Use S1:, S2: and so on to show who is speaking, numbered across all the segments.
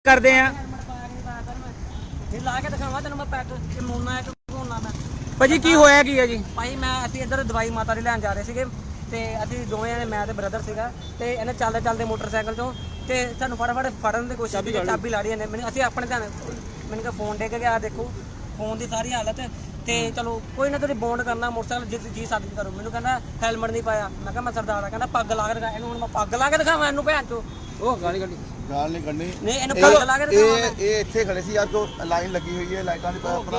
S1: ਕਰਦੇ ਆ
S2: ਲਾ ਕੇ ਦਿਖਾਵਾਂ ਤੈਨੂੰ ਮੈਂ ਪੈਕ ਮੋਨਾ ਇੱਕ ਕੋਨਾ ਮੈਂ
S1: ਭਾਜੀ ਕੀ ਹੋਇਆ ਕੀ ਹੈ ਜੀ?
S2: ਭਾਈ ਮੈਂ ਅਸੀਂ ਇੱਧਰ ਦਵਾਈ ਮਾਤਾ ਦੀ ਲੈਣ ਜਾ ਰਹੇ ਸੀਗੇ ਤੇ ਅਸੀਂ ਦੋਵੇਂ ਜਣੇ ਮੈਂ ਤੇ ਬ੍ਰਦਰ ਸੀਗਾ ਤੇ ਇਹਨੇ ਚੱਲਦੇ ਚੱਲਦੇ ਮੋਟਰਸਾਈਕਲ ਤੋਂ ਤੇ ਸਾਨੂੰ ਫਟਾਫਟ ਫੜਨ ਦੀ ਕੋਸ਼ਿਸ਼ ਕੀਤੀ, ਚਾਬੀ ਲਾ ਰਹੀ ਇਹਨੇ ਮੈਨੂੰ। ਅਸੀਂ ਆਪਣੇ ਧਿਆਨ ਮੈਨੂੰ ਕਿਹਾ ਫੋਨ ਡਿੱਗ ਗਿਆ, ਦੇਖੋ ਫੋਨ ਦੀ ਸਾਰੀ ਹਾਲਤ ਤੇ ਚਲੋ ਕੋਈ ਨਾ ਤੁਸੀਂ ਬੌਂਡ ਕਰਨਾ ਮੋਟਰਸਾਈਕਲ ਜੀ ਸਾਡੀ ਕਰੋ। ਮੈਨੂੰ ਕਹਿੰਦਾ ਹੈਲਮਟ ਨਹੀਂ ਪਾਇਆ। ਮੈਂ ਕਿਹਾ ਮੈਂ ਸਰਦਾਰ ਆ। ਕਹਿੰਦਾ ਪੱਗ ਲਾ ਕੇ ਦਿਖਾ। ਇਹਨੂੰ ਹੁਣ ਮੈਂ ਪੱਗ ਲਾ ਕੇ ਦਿਖਾਵਾਂ ਇਹਨੂੰ ਭੈਣ ਚੋ? ਉਹ ਗਾਲ ਨਹੀਂ ਕੱਢਣੀ ਨਹੀਂ ਇਹਨੂੰ ਪੱਗ ਲਾ ਕੇ ਦਿਖਾਵਾਂ।
S3: ਇਹ ਇੱਥੇ ਖੜੇ ਸੀ ਯਾਰ, ਜੋ ਲਾਈਨ ਲੱਗੀ ਹੋਈ ਹੈ ਲਾਈਟਾਂ ਦੀ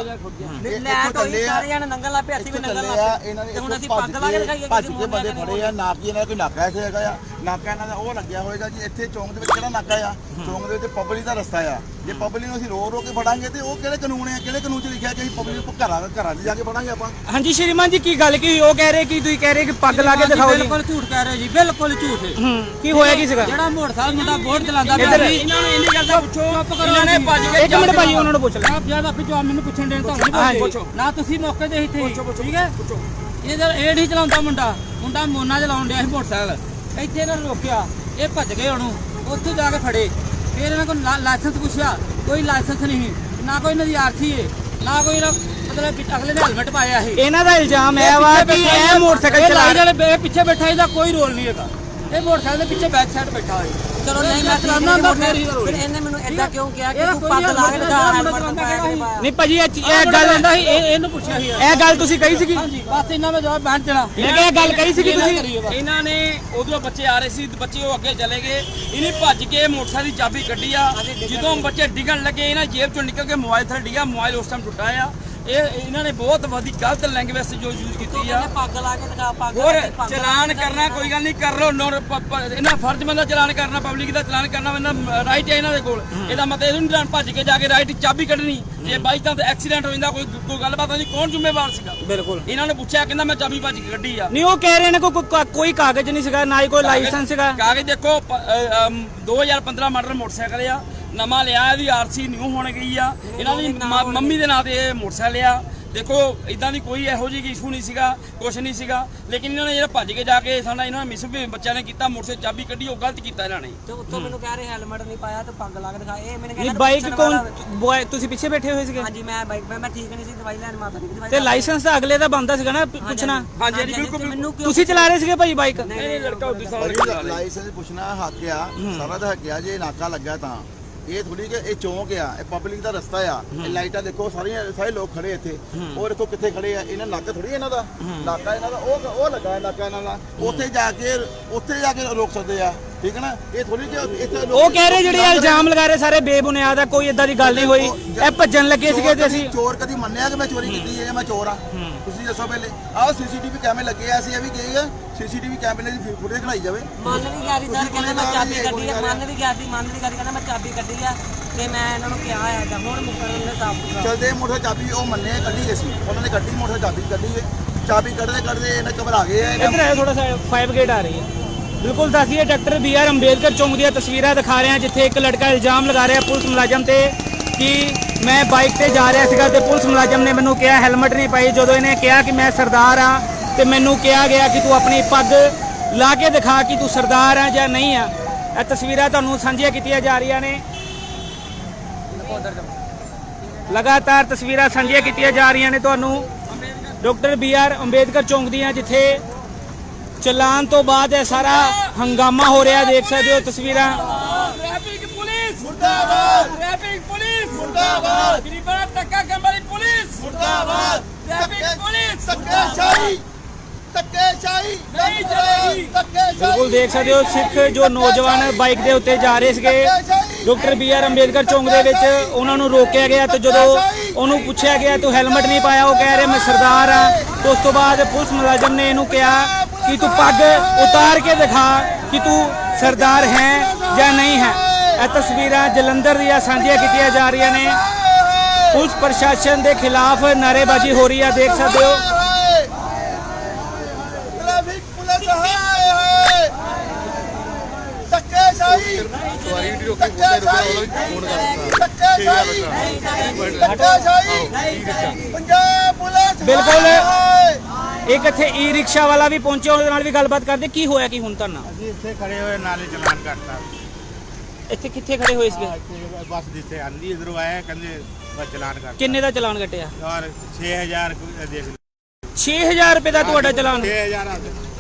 S2: ਲੈਟ ਹੋਈ ਸਾਰੇ ਜਣੇ ਨੰਗਲ ਲਾ ਪਿਆ, ਅਸੀਂ ਵੀ ਨੰਗਲ ਲਾ ਪਿਆ
S3: ਇਹਨਾਂ ਨੇ।
S2: ਤੇ ਹੁਣ ਅਸੀਂ ਪੱਗ ਲਾ ਕੇ ਦਿਖਾਈਏ
S3: ਭੱਜ ਕੇ ਬੰਦੇ ਖੜੇ ਆ। ਨਾਕੀ ਇਹਨਾਂ ਦਾ ਕੋਈ ਨਾਕਾ ਇੱਥੇ ਹੈਗਾ ਆ, ਨਾਕਾ ਇਹਨਾਂ ਦਾ ਉਹ ਲੱਗਿਆ ਹੋਏਗਾ ਜੀ। ਇੱਥੇ ਚੌਂਕ ਦੇ ਵਿੱਚ ਕਿਹੜਾ ਨਾਕਾ ਆ? ਚੌਂਕ ਦੇ ਵਿੱਚ ਪਬਲਿਕ ਦਾ ਰਸਤਾ ਆ। ਜੇ ਪਬਲਿਕ ਨੂੰ ਅਸੀਂ ਰੋ ਕੇ ਫੜਾਂਗੇ ਤੇ ਉਹ ਕਿਹੜੇ ਕਾਨੂੰਨ ਆ? ਕਿਹੜੇ ਕਾਨੂੰਨ 'ਚ ਲਿਖਿਆ ਕਿ ਅਸੀਂ ਪਬਲਿਕ ਨੂੰ ਘਰਾਂ 'ਚ ਜਾ ਕੇ ਫੜਾਂਗੇ ਆਪਾਂ?
S1: ਹਾਂਜੀ ਸ਼੍ਰੀਮਾਨ ਜੀ ਕੀ ਗੱਲ ਕੀ ਹੋਈ? ਉਹ ਕਹਿ ਰਹੇ ਕਿ ਤੁਸੀਂ ਕਹਿ ਰਹੇ ਕਿ ਪੱਗ ਲਾ ਕੇ ਦਿਖਾਓ ਜੀ।
S2: ਬਿਲਕੁਲ ਝੂਠ ਕਹਿ ਰਹੇ ਜੀ, ਬਿਲਕੁਲ ਝੂਠ।
S1: ਕੀ ਹੋਇਆ ਕੀ ਸੀਗਾ?
S2: ਜਿਹੜਾ ਮੋਟਰਸਾਈਕਲ ਮੁੰਡਾ ਬੋਰਡ ਚਲਾਉਂਦਾ ਪਿਆ ਸੀ, ਇਹਨਾਂ ਨੂੰ ਇੰਨੀ ਗੱਲ ਦਾ ਪੁੱਛੋ। ਇਹਨਾਂ ਨੇ ਭੱਜ ਕੇ
S1: ਇੱਕ ਮਿੰਟ ਭਾਜੀ ਉਹਨਾਂ ਨੂੰ ਪੁੱਛ ਲੈ।
S2: ਆਪ ਜਿਆਦਾ ਆਪੇ ਜਵਾਬ ਮੈਨੂੰ ਪੁੱਛਣ ਦੇਣ ਤੁਹਾਨੂੰ ਨਾ ਤੁਸੀਂ ਮੌਕੇ ਤੇ ਇੱਥੇ ਠੀਕ ਹੈ। ਇਹ ਨਹੀਂ ਚਲਾਉਂਦਾ ਮੁੰਡਾ ਮੋਨਾ ਚਲਾਉਣ ਡਿਆ ਸੀ ਮੋਟਰਸਾਈਕਲ। ਇੱਥੇ ਇਹਨਾਂ ਨੂੰ ਰੋਕਿਆ, ਇਹ ਭੱਜ ਗਏ। ਉਹਨੂੰ ਉੱਥੇ ਜਾ ਕੇ ਫੜੇ। ਫਿਰ ਇਹਨਾਂ ਕੋਲ ਲਾਇਸੈਂਸ ਪੁੱਛਿਆ, ਕੋਈ ਲਾਇਸੈਂਸ ਨਹੀਂ, ਨਾ ਕੋਈ ਇਹਨਾਂ ਦੀ ਆਰਸੀ ਹੈ, ਨਾ ਕੋਈ ਮਤਲਬ ਅਗਲੇ ਨੇ ਹੈਲਮਟ ਪਾਇਆ ਸੀ।
S1: ਇਹਨਾਂ ਦਾ ਇਲਜ਼ਾਮ ਹੈ ਵਾ ਕਿ ਇਹ ਮੋਟਰਸਾਈਕਲ ਚਲਾ
S2: ਰਿਹਾ ਪਿੱਛੇ ਬੈਠਾ, ਇਹਦਾ ਕੋਈ ਰੋਲ ਨਹੀਂ ਹੈਗਾ। ਇਹ ਮੋਟਰਸਾਈਕਲ ਦੇ ਪਿੱਛੇ ਬੈਕ ਸਾਈਡ ਬੈਠਾ ਹੋਇਆ। ਚਲੋ ਨਹੀਂ ਮੈਂ ਚਲਾਉਣਾ ਹੁੰਦਾ ਫਿਰ ਇਹਨੇ ਮੈਨੂੰ ਏਦਾਂ ਕਿਉਂ ਕਿਹਾ ਕਿ ਤੂੰ ਪੱਗ ਲਾ ਕੇ ਦਿਖਾ ਹੈਲਮਟ ਪਾਇਆ
S1: ਨਹੀਂ ਭਾਜੀ ਇਹ ਗੱਲ
S2: ਆਂਦਾ ਸੀ। ਇਹਨੂੰ ਪੁੱਛਿਆ ਸੀ
S1: ਇਹ ਗੱਲ ਤੁਸੀਂ ਕਹੀ ਸੀਗੀ?
S2: ਹਾਂਜੀ ਬਸ ਇਹਨਾਂ ਦਾ ਜਵਾਬ ਬੈਠ ਚਲਾ।
S1: ਮੈਂ ਕਿਹਾ ਇਹ ਗੱਲ ਕਹੀ ਸੀਗੀ ਤੁਸੀਂ?
S4: ਇਹਨਾਂ ਨੇ ਉਧਰੋਂ ਬੱਚੇ ਆ ਰਹੇ ਸੀ, ਬੱਚੇ ਉਹ ਅੱਗੇ ਚਲੇ ਗਏ। ਇਹਨੇ ਭੱਜ ਕੇ ਮੋਟਰਸਾਈਕਲ ਦੀ ਚਾਬੀ ਕੱਢੀ ਆ। ਜਦੋਂ ਬੱਚੇ ਡਿੱਗਣ ਲੱਗੇ ਇਹਨਾਂ ਜੇਬ ਚੋਂ ਨਿਕਲ ਕੇ ਮੋਬਾਈਲ ਥੱਲੇ ਡਿੱਗਾ। ਮੋਬਾਈਲ ਉਸ ਟਾਈਮ ਟੁੱਟਾ ਆ। ਇਹਨਾਂ ਨੇ ਬਹੁਤ ਵਧੀਆ ਗਲਤ ਲੈਂਗੁਏਜ ਜੋ ਯੂਜ਼ ਕੀਤੀ ਆ।
S2: ਪੱਗ ਲਾ ਕੇ ਦਿਖਾ, ਪੱਗ
S4: ਹੋਰ ਚਲਾਨ ਕਰਨਾ ਕੋਈ ਗੱਲ ਨਹੀਂ, ਕਰ ਲੋ। ਇਹਨਾਂ ਫਰਜ਼ ਬੰਦਾ ਚਲਾਨ ਕਰਨਾ, ਪਬਲਿਕ ਦਾ ਚਲਾਨ ਕਰਨਾ ਇਹਨਾਂ ਰਾਈਟ ਹੈ ਇਹਨਾਂ ਦੇ ਕੋਲ। ਇਹਦਾ ਮਤਲਬ ਇਹ ਨਹੀਂ ਭੱਜ ਕੇ ਜਾ ਕੇ ਰਾਈਟ ਚਾਬੀ ਕੱਢਣੀ। ਜੇ ਬਾਈ ਚਾਂਸ ਐਕਸੀਡੈਂਟ ਹੋ ਜਾਂਦਾ, ਕੋਈ ਗੱਲਬਾਤ ਨਹੀਂ, ਕੌਣ ਜ਼ਿੰਮੇਵਾਰ ਸੀਗਾ?
S1: ਬਿਲਕੁਲ।
S4: ਇਹਨਾਂ ਨੇ ਪੁੱਛਿਆ, ਕਹਿੰਦਾ ਮੈਂ ਚਾਬੀ ਭੱਜ ਕੇ ਕੱਢੀ ਆ।
S1: ਨਹੀਂ ਉਹ ਕਹਿ ਰਹੇ ਨੇ ਕੋਈ ਕਾਗਜ਼ ਨਹੀਂ ਸੀਗਾ, ਨਾ ਹੀ ਕੋਈ ਲਾਇਸੈਂਸ ਸੀਗਾ।
S4: ਕਾਗਜ਼ ਦੇਖੋ 2015 ਮਾਡਲ ਮੋਟਰਸਾਈਕਲ ਆ, ਨਵਾਂ ਲਿਆ। ਇਹਦੀ ਆਰਸੀ ਨਿਊ ਹੋਣ ਗਈ ਆ। ਇਹਨਾਂ ਦੀ ਮੰਮੀ ਦੇ ਨਾਂ ਤੇ ਇਹ ਮੋਟਰਸਾਈਕਲ ਆ। ਦੇਖੋ ਇਦਾਂ ਦੀ ਕੋਈ ਇਹੋ ਜਿਹੀ ਇਸ਼ੂ ਨਹੀਂ ਸੀਗਾ, ਕੁਛ ਨਹੀਂ ਸੀਗਾ। ਲੇਕਿਨ ਇਹਨਾਂ ਨੇ ਜਿਹੜਾ ਭੱਜ ਕੇ ਜਾ ਕੇ ਸਾਡਾ ਇਹਨਾਂ ਨੇ ਮਿਸਬਿਹੇਵ ਬੱਚਿਆਂ ਨੇ ਕੀਤਾ, ਮੋਟਰਸਾਈਕਲ ਚਾਬੀ ਕੱਢੀ, ਉਹ ਗਲਤ ਕੀਤਾ ਇਹਨਾਂ ਨੇ।
S2: ਤੇ ਉੱਤੋਂ ਮੈਨੂੰ ਕਹਿ ਰਹੇ ਹੈਲਮਟ ਨਹੀਂ ਪਾਇਆ ਤੇ ਪੱਗ ਲਾ ਕੇ ਦਿਖਾ। ਇਹ ਮੈਨੂੰ
S1: ਕਹਿੰਦਾ ਬਾਈਕ ਕੌਣ ਤੁਸੀਂ ਪਿੱਛੇ ਬੈਠੇ ਹੋਏ ਸੀਗੇ?
S2: ਹਾਂਜੀ ਮੈਂ ਬਾਈਕ ਮੈਂ ਠੀਕ ਨਹੀਂ ਸੀ, ਦਵਾਈ ਲੈਣ ਮਾਤਾ ਦੀ ਦਵਾਈ।
S1: ਤੇ ਲਾਇਸੈਂਸ ਤਾਂ ਅਗਲੇ ਦਾ ਬੰਦਾ ਸੀਗਾ ਨਾ ਪੁੱਛਣਾ।
S4: ਹਾਂਜੀ ਬਿਲਕੁਲ।
S2: ਮੈਨੂੰ
S1: ਤੁਸੀਂ ਚਲਾ ਰਹੇ ਸੀਗੇ ਭਾਈ ਬਾਈਕ?
S4: ਇਹ ਲੜਕਾ ਉਦੋਂ ਸਾਲ
S3: ਲਾਇਸੈਂਸ ਪੁੱਛਣਾ ਹੱਕ ਆ, ਸਾਰਾ ਦਾ ਹੱਕ ਆ। ਜੇ ਨਾਕਾ ਲੱਗਾ ਤਾਂ ਇਹ ਥੋੜੀ ਕਿ ਇਹ ਚੌਂਕ ਆ, ਇਹ ਪਬਲਿਕ ਦਾ ਰਸਤਾ ਆ। ਇਹ ਲਾਈਟਾਂ ਦੇਖੋ, ਸਾਰੇ ਲੋਕ ਖੜੇ ਇੱਥੇ। ਉਹ ਦੇਖੋ ਕਿੱਥੇ ਖੜੇ ਆ। ਇਹਨਾਂ ਨਾਕਾ ਥੋੜੀ ਇਹਨਾਂ ਦਾ, ਨਾਕਾ ਇਹਨਾਂ ਦਾ ਉਹ ਲੱਗਾ ਨਾਕਾ ਇਹਨਾਂ ਦਾ। ਉੱਥੇ ਜਾ ਕੇ ਰੋਕ ਸਕਦੇ ਆ, ਠੀਕ ਹੈ ਨਾ? ਇਹ ਥੋੜੀ ਕਿ ਇੱਥੇ
S1: ਉਹ ਕਹਿ ਰਹੇ ਜਿਹੜੇ ਇਲਜ਼ਾਮ ਲਗਾ ਰਹੇ ਸਾਰੇ ਬੇਬੁਨਿਆਦ ਆ, ਕੋਈ ਏਦਾਂ ਦੀ ਗੱਲ ਨਹੀਂ ਹੋਈ। ਇਹ ਭੱਜਣ ਲੱਗੇ ਸੀਗੇ ਤੇ ਅਸੀਂ
S3: ਚੋਰ ਕਦੀ ਮੰਨਿਆ ਕਿ ਮੈਂ ਚੋਰੀ ਕੀਤੀ ਹੈ ਜਾਂ ਮੈਂ ਚੋਰ ਆ? ਤੁਸੀਂ ਦੱਸੋ ਪਹਿਲੇ। ਆਹ ਸੀਸੀਟੀਵੀ ਕੈਮਰੇ ਲੱਗੇ ਆ, ਅਸੀਂ ਇਹ ਵੀ ਕਹੀ ਆ ਸੀਸੀਟੀਵੀ ਕੈਮਰੇ ਦੀ ਫੁਟੇਜ ਕਢਾਈ ਜਾਵੇ।
S2: ਮੰਨ ਵੀ ਗਿਆ ਸੀ ਸਰ, ਕਹਿੰਦਾ ਮੈਂ ਚਾਬੀ ਕੱਢੀ ਆ। ਮੰਨ ਵੀ ਗਿਆ ਸੀ ਕਹਿੰਦਾ ਮੈਂ ਚਾਬੀ ਕੱਢੀ ਆ ਤੇ ਮੈਂ ਇਹਨਾਂ ਨੂੰ ਕਿਹਾ ਆ ਜਾਂ ਹੁਣ ਮੁਕਰਨ ਦੇ ਸਾਫ
S3: ਚਲਦੇ ਮੋਟਰ ਚਾਬੀ ਉਹ ਮੰਨੇ ਕੱਢੀ ਗਈ ਸੀ, ਉਹਨਾਂ ਨੇ ਕੱਢੀ ਮੋਟਰ ਚਾਬੀ ਕੱਢੀ ਹੈ। ਚਾਬੀ ਕੱਢਦੇ ਇਹਨਾਂ ਘਬਰਾ ਗਏ ਆ।
S1: ਇੱਧਰ ਆਇਆ ਥੋੜਾ ਸਾ 5 ਗੇਟ ਆ ਰਹੀ ਹੈ। ਬਿਲਕੁਲ ਦੱਸੀਏ ਡਾਕਟਰ BR ਅੰਬੇਦਕਰ ਚੌਂਕ ਦੀਆਂ ਤਸਵੀਰਾਂ ਦਿਖਾ ਰਹੇ ਹਾਂ, ਜਿੱਥੇ ਇੱਕ ਲੜਕਾ ਇਲਜ਼ਾਮ ਲਗਾ ਰਿਹਾ ਪੁਲਿਸ ਮੁਲਾਜ਼ਮ ਤੇ ਕਿ ਮੈਂ ਬਾਈਕ ਤੇ ਜਾ ਰਿਹਾ ਸੀਗਾ ਤੇ ਪੁਲਿਸ ਮੁਲਾਜ਼ਮ ਨੇ ਮੈਨੂੰ ਕਿਹਾ ਹੈਲਮਟ ਨਹੀਂ ਪਾਈ। ਜਦੋਂ ਇਹਨੇ ਕਿਹਾ ਕਿ ਮੈਂ ਸਰਦਾਰ ਆ ਤੇ ਮੈਨੂੰ ਕਿਹਾ ਗਿਆ ਕਿ ਤੂੰ ਆਪਣੀ ਪੱਗ ਲਾ ਕੇ ਦਿਖਾ ਕਿ ਤੂੰ ਸਰਦਾਰ ਆ ਜਾਂ ਨਹੀਂ ਆ। ਇਹ ਤਸਵੀਰਾਂ ਤੁਹਾਨੂੰ ਸਾਂਝੀਆਂ ਕੀਤੀਆਂ ਜਾ ਰਹੀਆਂ ਨੇ, ਲਗਾਤਾਰ ਤਸਵੀਰਾਂ ਸਾਂਝੀਆਂ ਕੀਤੀਆਂ ਜਾ ਰਹੀਆਂ ਨੇ ਤੁਹਾਨੂੰ ਡਾਕਟਰ BR ਅੰਬੇਦਕਰ ਚੌਂਕ ਦੀਆਂ, ਜਿੱਥੇ ਚਲਾਨ ਤੋਂ ਬਾਅਦ ਇਹ ਸਾਰਾ ਹੰਗਾਮਾ ਹੋ ਰਿਹਾ। ਦੇਖ ਸਕਦੇ ਹੋ ਤਸਵੀਰਾਂ।
S4: ਟ੍ਰੈਫਿਕ ਪੁਲਿਸ ਮੁਰਦਾਬਾਦ, ਟ੍ਰੈਫਿਕ ਪੁਲਿਸ ਮੁਰਦਾਬਾਦ, ਗਰੀਬਾਂ ਦਾ ਧੱਕਾ ਕਰਨ ਵਾਲੀ ਪੁਲਿਸ ਮੁਰਦਾਬਾਦ, ਟ੍ਰੈਫਿਕ ਪੁਲਿਸ
S3: ਧੱਕੇਸ਼ਾਹੀ ਨਹੀਂ ਚਲੇਗੀ।
S1: ਬਿਲਕੁਲ ਦੇਖ ਸਕਦੇ ਹੋ ਸਿੱਖ ਜੋ ਨੌਜਵਾਨ ਬਾਈਕ ਦੇ ਉੱਤੇ ਜਾ ਰਹੇ ਸੀਗੇ ਡਾਕਟਰ BR ਅੰਬੇਦਕਰ ਚੌਂਕ ਦੇ ਵਿੱਚ, ਉਹਨਾਂ ਨੂੰ ਰੋਕਿਆ ਗਿਆ ਤੇ ਜਦੋਂ ਉਹਨੂੰ ਪੁੱਛਿਆ ਗਿਆ ਤੂੰ ਹੈਲਮਟ ਨਹੀਂ ਪਾਇਆ, ਉਹ ਕਹਿ ਰਿਹਾ ਮੈਂ ਸਰਦਾਰ ਆ। ਤੇ ਉਸ ਤੋਂ ਬਾਅਦ ਪੁਲਿਸ ਮੁਲਾਜ਼ਮ ਨੇ ਇਹਨੂੰ ਕਿਹਾ ਕਿ ਤੂੰ ਪੱਗ ਉਤਾਰ ਕੇ ਦਿਖਾ ਕਿ ਤੂੰ ਸਰਦਾਰ ਹੈ ਜਾਂ ਨਹੀਂ ਹੈ। ਇਹ ਤਸਵੀਰਾਂ ਜਲੰਧਰ ਦੀਆਂ ਸਾਂਝੀਆਂ ਕੀਤੀਆਂ ਜਾ ਰਹੀਆਂ ਨੇ। ਪੁਲਿਸ ਪ੍ਰਸ਼ਾਸਨ ਦੇ ਖਿਲਾਫ ਨਾਅਰੇਬਾਜ਼ੀ ਹੋ ਰਹੀ ਆ, ਦੇਖ ਸਕਦੇ ਹੋ।
S3: ਟ੍ਰੈਫਿਕ ਪੁਲਿਸ ਹਾਏ ਧੱਕੇਸ਼ਾਹੀ
S5: ਸਵਾਰੀ ਵੀ ਰੋਕੇ ਫੋਨ
S3: ਪੰਜਾਬ ਪੁਲਿਸ
S1: ਬਿਲਕੁਲ ਇੱਕ ਇੱਥੇ ਈ ਰਿਕਸ਼ਾ ਵਾਲਾ ਵੀ ਪਹੁੰਚਿਆ, ਉਹਦੇ ਨਾਲ ਵੀ ਗੱਲਬਾਤ ਕਰਦੇ। ਕੀ ਹੋਇਆ ਕੀ ਹੁਣ ਤੁਹਾਨੂੰ?
S5: ਅਸੀਂ ਇੱਥੇ ਖੜੇ ਹੋਏ ਨਾਲੇ ਚਲਾਨ ਕਰਤਾ।
S1: ਇੱਥੇ ਕਿੱਥੇ ਖੜੇ ਹੋਏ ਸੀਗੇ?
S6: बस जिससे आंधी इधरों आया कहते बस चलान कर
S1: ਕਿੰਨੇ ਦਾ ਚਲਾਨ ਕੱਟਿਆ?
S6: और 6000 देख
S1: 6000 ਰੁਪਏ ਦਾ ਤੁਹਾਡਾ ਚਲਾਨ?
S6: 6000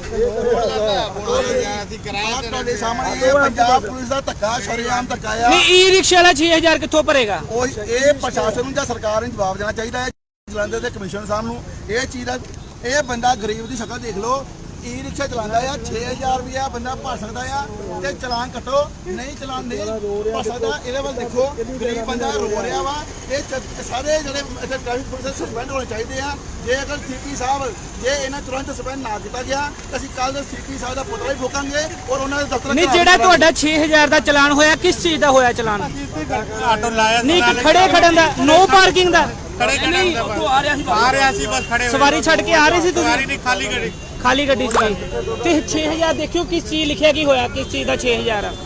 S3: ਤੁਹਾਡੇ ਸਾਹਮਣੇ ਇਹ ਪੰਜਾਬ ਪੁਲਿਸ ਦਾ ਧੱਕਾ ਸ਼ਰੇਆਮ ਧੱਕਾ ਆ।
S1: ਨਹੀਂ ਈ ਰਿਕਸ਼ਾ ਵਾਲਾ 6000 ਕਿੱਥੋਂ ਭਰੇਗਾ?
S3: ਉਹ ਇਹ ਪ੍ਰਸ਼ਾਸਨ ਨੂੰ ਜਾਂ ਸਰਕਾਰ ਨੂੰ ਜਵਾਬ ਦੇਣਾ ਚਾਹੀਦਾ ਹੈ, ਜਲੰਧਰ ਦੇ ਕਮਿਸ਼ਨਰ ਸਾਹਿਬ ਨੂੰ। ਇਹ ਚੀਜ਼ ਦਾ ਇਹ ਬੰਦਾ ਗਰੀਬ ਦੀ ਸ਼ਕਲ ਦੇਖ ਲਓ, ਈ ਰਿਕਸ਼ਾ ਚਲਾਉਂਦਾ ਆ, 6000 ਰੁਪਇਆ ਬੰਦਾ ਭਰ ਸਕਦਾ ਆ ਤੇ ਚਲਾਨ ਕੱਟੋ। ਨਹੀਂ ਚਲਾਨ ਨਹੀਂ ਭਰ ਸਕਦਾ, ਇਹਦੇ ਵੱਲ ਦੇਖੋ, ਗਰੀਬ ਬੰਦਾ ਰੋ ਰਿਹਾ ਵਾ। ਇਹ ਸਾਰੇ ਜਿਹੜੇ ਇੱਥੇ ਟ੍ਰੈਫਿਕ ਪੁਲਿਸ ਸਸਪੈਂਡ ਹੋਣੇ ਚਾਹੀਦੇ ਆ। ਜੇ ਅਗਰ ਸੀਪੀ ਸਾਹਿਬ ਜੇ ਇਹਨਾਂ ਤੁਰੰਤ ਸਸਪੈਂਡ ਨਾ ਕੀਤਾ ਗਿਆ ਤਾਂ ਅਸੀਂ ਕੱਲ ਸੀਪੀ ਸਾਹਿਬ ਦਾ ਪੁਤਲਾ ਵੀ ਫੂਕਾਂਗੇ ਔਰ ਉਹਨਾਂ ਦੇ ਦਫ਼ਤਰ
S1: ਨਹੀਂ ਜਿਹੜਾ ਤੁਹਾਡਾ 6000 ਦਾ ਚਲਾਨ ਹੋਇਆ ਕਿਸ ਚੀਜ਼ ਦਾ ਹੋਇਆ ਚਲਾਨ?
S6: ਆਟੋ ਲਾਇਆ
S1: ਨਹੀਂ ਕਿ ਖੜੇ ਖੜਨ ਦਾ, ਨੋ ਪਾਰਕਿੰਗ ਦਾ?
S4: ਨਹੀਂ ਉੱਥੋਂ ਆ ਰਿਹਾ ਸੀ
S6: आ रहा सी बस खड़े
S1: ਸਵਾਰੀ ਛੱਡ ਕੇ ਆ ਰਹੇ ਸੀ
S6: सवारी
S1: ਤੁਸੀਂ?
S6: नहीं खाली गाड़ी
S1: ਖਾਲੀ ਗੱਡੀ ਸੀ ਤੇ 6000 ਦੇਖਿਓ ਕਿਸ ਚੀਜ਼ ਲਿਖਿਆ ਕੀ ਹੋਇਆ, ਕਿਸ ਚੀਜ਼ ਦਾ 6000 ਆ।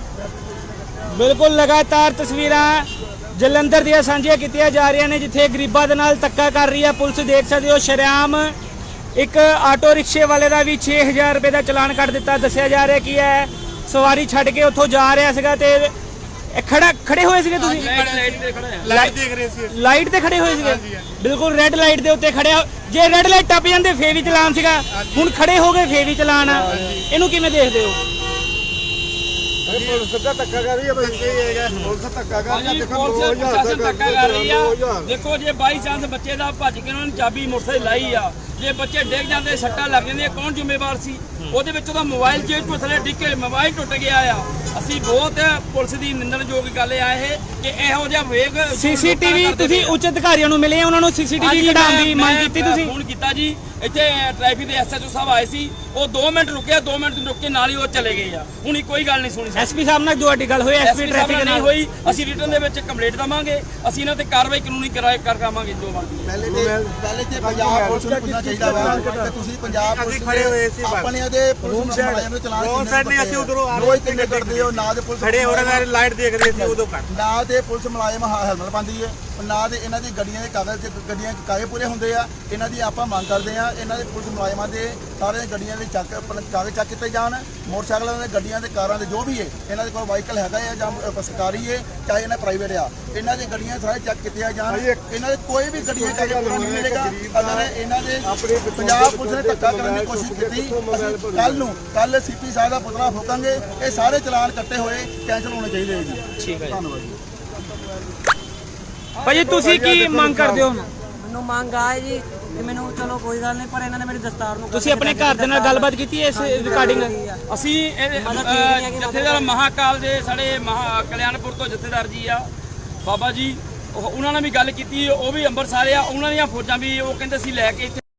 S1: ਬਿਲਕੁਲ ਲਗਾਤਾਰ ਤਸਵੀਰਾਂ ਜਲੰਧਰ ਦੀਆਂ ਸਾਂਝੀਆਂ ਕੀਤੀਆਂ ਜਾ ਰਹੀਆਂ ਨੇ ਜਿੱਥੇ ਗਰੀਬਾਂ ਦੇ ਨਾਲ ਧੱਕਾ ਕਰ ਰਹੀ ਹੈ ਪੁਲਿਸ। ਦੇਖ ਸਕਦੇ ਹੋ ਸ਼ਰੇਆਮ ਇੱਕ ਆਟੋ ਰਿਕਸ਼ੇ ਵਾਲੇ ਦਾ ਵੀ 6000 ਰੁਪਏ ਦਾ ਚਲਾਨ ਕੱਟ ਦਿੱਤਾ। ਦੱਸਿਆ ਜਾ ਰਿਹਾ ਕੀ ਹੈ ਸਵਾਰੀ ਛੱਡ ਕੇ ਉੱਥੋਂ ਜਾ ਰਿਹਾ ਸੀਗਾ ਤੇ ਇਹ ਖੜੇ ਹੋਏ ਸੀਗੇ ਤੁਸੀਂ?
S4: ਲਾਈਟ ਤੇ ਖੜਾ ਹੈ।
S6: लाइट देख रहे सी
S1: ਲਾਈਟ ਤੇ ਖੜੇ ਹੋਏ ਸੀਗੇ? ਬਿਲਕੁਲ ਰੈੱਡ ਲਾਈਟ ਦੇ ਉੱਤੇ ਖੜਿਆ। ਜੇ ਰੈੱਡ ਲਾਈਟ ਟੱਪ ਜਾਂਦੇ ਫੇਰ ਵੀ ਚਲਾਨ ਸੀਗਾ, ਹੁਣ ਖੜੇ ਹੋ ਗਏ ਫੇਰ ਵੀ ਚਲਾਨ ਆ। ਇਹਨੂੰ ਕਿਵੇਂ ਦੇਖਦੇ ਹੋ?
S5: ਪੁਲਿਸ ਦਾ ਧੱਕਾ ਕਰ ਰਹੀ ਹੈ ਬਈ ਪੁਲਿਸ ਧੱਕਾ ਕਰ ਰਹੀ ਹੈ।
S4: ਹਾਂਜੀ
S5: ਦੇਖੋ
S4: ਪੁਲਿਸ ਪ੍ਰਸ਼ਾਸਨ ਧੱਕਾ ਕਰ ਰਹੀ ਆ। ਦੇਖੋ ਜੇ ਬਾਈ ਚਾਂਸ ਬੱਚੇ ਦਾ ਭੱਜ ਕੇ ਉਹਨਾਂ ਨੇ ਚਾਬੀ ਮੋਟਰਸਾਈਕਲ ਲਾਈ ਆ, ਜੇ ਬੱਚੇ ਡਿੱਗ ਜਾਂਦੇ ਸੱਟਾਂ ਲੱਗ ਜਾਂਦੀਆਂ ਕੌਣ ਜ਼ਿੰਮੇਵਾਰ ਸੀ? ਉਹਦੇ ਵਿੱਚ ਉਹਦਾ ਮੋਬਾਈਲ ਜੇਬ ਤੋਂ ਥੱਲੇ ਡਿੱਗ ਕੇ ਮੋਬਾਈਲ ਟੁੱਟ ਗਿਆ ਆ। ਅਸੀਂ ਬਹੁਤ ਪੁਲਿਸ ਦੀ ਨਿੰਦਣਯੋਗ ਗੱਲ ਆ ਇਹ ਕਿ ਇਹੋ ਜਿਹਾ ਵੇਗ
S1: ਸੀਸੀਟੀਵੀ ਤੁਸੀਂ ਉੱਚ ਅਧਿਕਾਰੀਆਂ ਨੂੰ ਮਿਲੇ, ਉਹਨਾਂ ਨੂੰ ਸੀਸੀਟੀਵੀ ਕਢਾਉਣ ਦੀ ਮੰਗ ਕੀਤੀ ਤੁਸੀਂ?
S4: ਫੋਨ ਕੀਤਾ ਜੀ, ਇੱਥੇ ਟ੍ਰੈਫਿਕ ਦੇ ਐਸਐਚਓ ਸਾਹਿਬ ਆਏ ਸੀ, ਉਹ 2 ਮਿੰਟ ਰੁਕੇ, 2 ਮਿੰਟ ਰੁਕ ਕੇ ਨਾਲ ਹੀ ਉਹ ਚਲੇ ਗਏ ਆ। ਹੁਣ ਕੋਈ ਗੱਲ ਨਹੀਂ ਸੁਣੀ।
S1: ਐਸਪੀ ਸਾਹਿਬ ਨਾਲ ਤੁਹਾਡੀ ਗੱਲ ਹੋਈ? ਐਸਪੀ ਟ੍ਰੈਫਿਕ
S4: ਨਹੀਂ ਹੋਈ। ਅਸੀਂ ਰਿਟਰਨ ਦੇ ਵਿੱਚ ਕੰਪਲੇਂਟ ਦਵਾਂਗੇ, ਅਸੀਂ ਇਹਨਾਂ ਤੇ ਕਾਰਵਾਈ ਕਾਨੂੰਨੀ ਕਰਾਵਾਂਗੇ ਜੋ ਬਣਦੀ।
S3: ਪਹਿਲੇ ਤੇ ਪੰਜਾਬ ਪੁਲਿਸ ਨੂੰ ਪੁੱਛਣਾ ਚਾਹੀਦਾ ਵਾ ਕਿ ਤੁਸੀਂ ਪੰਜਾਬ ਪੁਲਿਸ
S6: ਖੜੇ ਹੋਏ ਸੀ
S3: ਆਪਣੇ ਦੇ ਪੁਲਿਸ ਮੁਲਾਜ਼ਮ ਨੂੰ ਚਲਾਨ
S6: ਰੋਡ ਸਾਈਡ ਨਹੀਂ ਅਸੀਂ ਉਧਰੋਂ ਆ
S3: ਰੋਜ਼ ਕਿੰਨੇ ਕੱਢਦੇ ਹੋ ਨਾ ਦੇ ਪੁਲਿਸ
S6: खड़े हो रहे लाइट देख रहे थे उदो कर
S3: ਨਾ ਤੇ ਪੁਲਿਸ ਮੁਲਾਜ਼ਮ ਹੈਲਮਟ ਪਾਉਂਦੀ ਹੈ, ਨਾ ਤੇ ਇਹਨਾਂ ਦੀ ਗੱਡੀਆਂ ਦੇ ਕਾਗਜ਼ ਪੂਰੇ ਹੁੰਦੇ ਆ। ਇਹਨਾਂ ਦੀ ਆਪਾਂ ਮੰਗ ਕਰਦੇ ਆ ਇਹਨਾਂ ਦੇ ਪੁਲਿਸ ਮੁਲਾਜ਼ਮਾਂ ਦੇ ਸਾਰੇ ਗੱਡੀਆਂ ਦੇ ਕਾਗਜ਼ ਚੱਕ ਕੀਤੇ ਜਾਣ। ਮੋਟਰਸਾਈਕਲਾਂ ਦੇ ਗੱਡੀਆਂ ਦੇ ਕਾਰਾਂ ਦੇ ਜੋ ਵੀ ਹੈ ਇਹਨਾਂ ਦੇ ਕੋਲ ਵਾਹੀਕਲ ਹੈਗਾ ਆ ਜਾਂ ਸਰਕਾਰੀ ਹੈ ਚਾਹੇ ਇਹਨਾਂ ਪ੍ਰਾਈਵੇਟ ਆ, ਇਹਨਾਂ ਦੀ ਗੱਡੀਆਂ ਸਾਰੇ ਚੈੱਕ ਕੀਤੀਆਂ ਜਾਣ। ਇਹਨਾਂ ਦੇ ਕੋਈ ਵੀ ਗੱਡੀਆਂ ਕਾਗਜ਼ ਪੂਰਾ ਨਹੀਂ ਮਿਲੇਗਾ। ਅਗਰ ਇਹਨਾਂ ਦੇ ਪੰਜਾਬ ਪੁਲਿਸ ਨੇ ਧੱਕਾ ਕਰਨ ਦੀ ਕੋਸ਼ਿਸ਼ ਕੀਤੀ ਅਸੀਂ ਕੱਲ ਸੀਪੀ ਸਾਹਿਬ ਦਾ ਪੁਤਲਾ ਫੂਕਾਂਗੇ। ਇਹ ਸਾਰੇ ਚਲਾਨ ਕੱਟੇ ਹੋਏ ਕੈਂਸਲ ਹੋਣੇ ਚਾਹੀਦੇ ਹੈ ਜੀ।
S1: ਠੀਕ ਹੈ ਜੀ।
S3: ਧੰਨਵਾਦ ਜੀ।
S1: ਭਾਜੀ ਤੁਸੀਂ ਕੀ ਮੰਗ ਕਰਦੇ ਹੋ?
S2: ਮੈਨੂੰ ਮੰਗ ਆਏ ਜੀ ਕਿ ਮੈਨੂੰ ਚਲੋ ਕੋਈ ਗੱਲ ਨਹੀਂ, ਪਰ ਇਹਨਾਂ ਨੇ ਮੇਰੀ ਦਸਤਾਰ ਨੂੰ
S1: ਤੁਸੀਂ ਆਪਣੇ ਘਰ ਦੇ ਨਾਲ ਗੱਲਬਾਤ ਕੀਤੀ ਹੈ ਇਸ ਰਿਕਾਰਡਿੰਗ?
S4: ਅਸੀਂ ਜਥੇਦਾਰ ਮਹਾਕਾਲ ਦੇ ਸਾਡੇ ਕਲਿਆਣਪੁਰ ਤੋਂ ਜਥੇਦਾਰ ਜੀ ਆ ਬਾਬਾ ਜੀ, ਉਹਨਾਂ ਨਾਲ ਵੀ ਗੱਲ ਕੀਤੀ। ਉਹ ਵੀ ਅੰਮ੍ਰਿਤਸਰ ਆ, ਉਹਨਾਂ ਦੀਆਂ ਫੌਜਾਂ ਵੀ ਉਹ ਕਹਿੰਦੇ ਸੀ ਲੈ ਕੇ ਇੱਥੇ